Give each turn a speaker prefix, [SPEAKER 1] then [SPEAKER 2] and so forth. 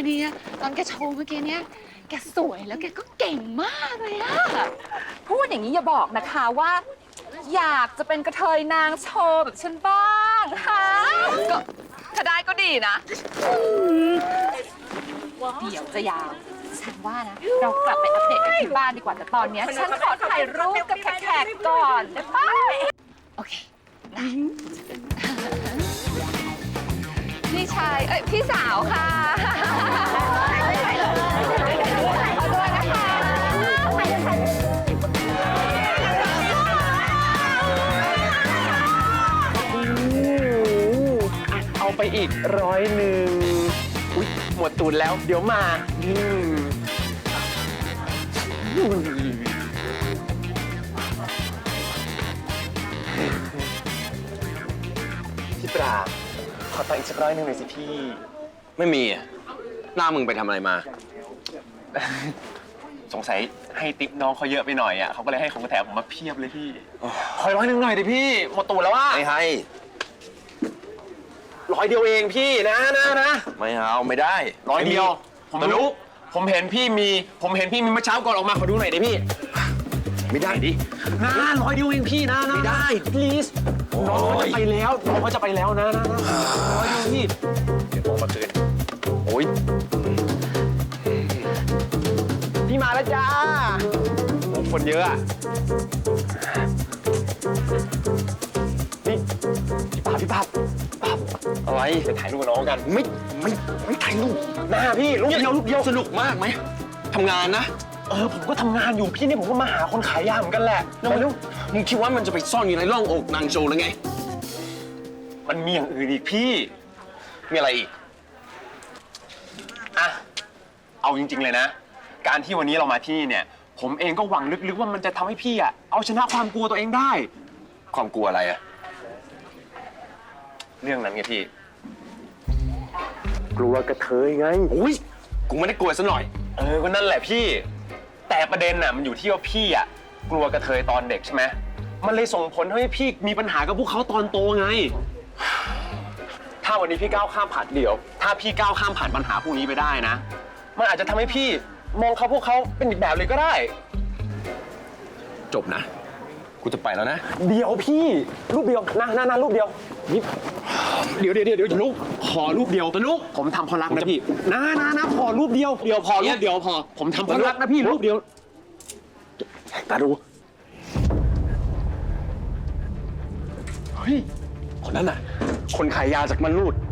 [SPEAKER 1] ดีอะตอนแกโชว์เมื่อกี้เนี้ยแกสวยแล้วแกก็เก่งมากเลยอะ
[SPEAKER 2] พูดอย่างนี้อย่าบอกนะคะว่า อยากจะเป็นกระเทยนางโชว์แบบฉันบ้างฮะก็ถ้าได้ก็ดีนะเดี๋ยวจะยาวฉันว่านะเรากลับไปอัปเดตกันที่บ้านดีกว่าแต่ตอนนี้ฉันขอถ่ายรูปกับแขกๆก่อนได้ปะ
[SPEAKER 1] โอเค
[SPEAKER 2] พี่ชายพี่สาวค่ะขอด้วยนะคะ
[SPEAKER 3] เอาไปอีก100อุ๊ยหมดตูนแล้วเดี๋ยวมาพี่ปราบขอตังค์อีกสัก100หน่อยสิพี่
[SPEAKER 4] ไม่มีอ่ะหน้ามึงไปทำอะไรมา
[SPEAKER 3] สงสัยให้ติ๊บน้องเขาเยอะไปหน่อยอ่ะเขาก็เลยให้ของแถมผมมาเพียบเลยพี่ขอ100หน่อยดิพี่หมดตูนแล้วว่า
[SPEAKER 4] ไม่ให้
[SPEAKER 3] 100เดียวเองพี่นะ
[SPEAKER 4] ไม่เอาไม่ได้
[SPEAKER 3] 100เดียวผมรู้ผมเห็นพี่มีเมื่อเช้าก่อนออกมาขอดูหน่อยดิพี่
[SPEAKER 4] ไม่ได้ดิ
[SPEAKER 3] นะ100เดียวเองพี่นะ
[SPEAKER 4] ไม่ได้
[SPEAKER 3] please น้องเขาจะไปแล้วนะ100เดียวพี่
[SPEAKER 4] เดี๋ยวโทรมาคืนโอ้ย
[SPEAKER 3] พี่มาแล้วจ้าคนเยอะอ่ะพี่ป๊า
[SPEAKER 4] อะไร
[SPEAKER 3] ไปถ่ายรูปกับน้องกัน
[SPEAKER 4] ไม่ถ่ายรูป
[SPEAKER 3] หน้าพี่รูปเดียว
[SPEAKER 4] สนุกมากไหมทำงานนะ
[SPEAKER 3] ผมก็ทำงานอยู่พี่เนี่ยผมก็มาหาคนขายยาเหมือนกันแหละ
[SPEAKER 4] แล้วมึงคิดว่ามันจะไปซ่อนอยู่ในร่องอกนางโชว์หรือไง
[SPEAKER 3] มันมีอย่างอื่นอีกพี่
[SPEAKER 4] มีอะไรอีก
[SPEAKER 3] อ่ะเอาจริงๆเลยนะการที่วันนี้เรามาที่นี่เนี่ยผมเองก็หวังลึกๆว่ามันจะทำให้พี่อ่ะเอาชนะความกลัวตัวเองได้
[SPEAKER 4] ความกลัวอะไรอะ
[SPEAKER 3] เรื่องนั้นไงพี่กลัวกระเทยไง
[SPEAKER 4] โอ้ยกูไม่ได้กลัวซะหน่อย
[SPEAKER 3] ก็นั่นแหละพี่แต่ประเด็นน่ะมันอยู่ที่ว่าพี่อ่ะกลัวกระเทยตอนเด็กใช่ไหมมันเลยส่งผลให้พี่มีปัญหากับพวกเขาตอนโตไงถ้าวันนี้พี่ก้าวข้ามผ่านถ้าพี่ก้าวข้ามผ่านปัญหาพวกนี้ไปได้นะมันอาจจะทำให้พี่มองพวกเขาเป็นอีกแบบเลยก็ได้
[SPEAKER 4] จบนะกูจะไปแล้วนะ
[SPEAKER 3] เดี๋ยวพี่รูปเดียวนะรูปเดียวนี่เดี๋ยวลูกขอรูปเดียวลูกผมทำเพราะรักนะพี่นะพอรูปเดียวพอรูปเดียวพอผมทำเพราะรักนะพี่รูปเดียวตาดูเฮ้ยคนนั้นน่ะคนขายยาจากมันรูด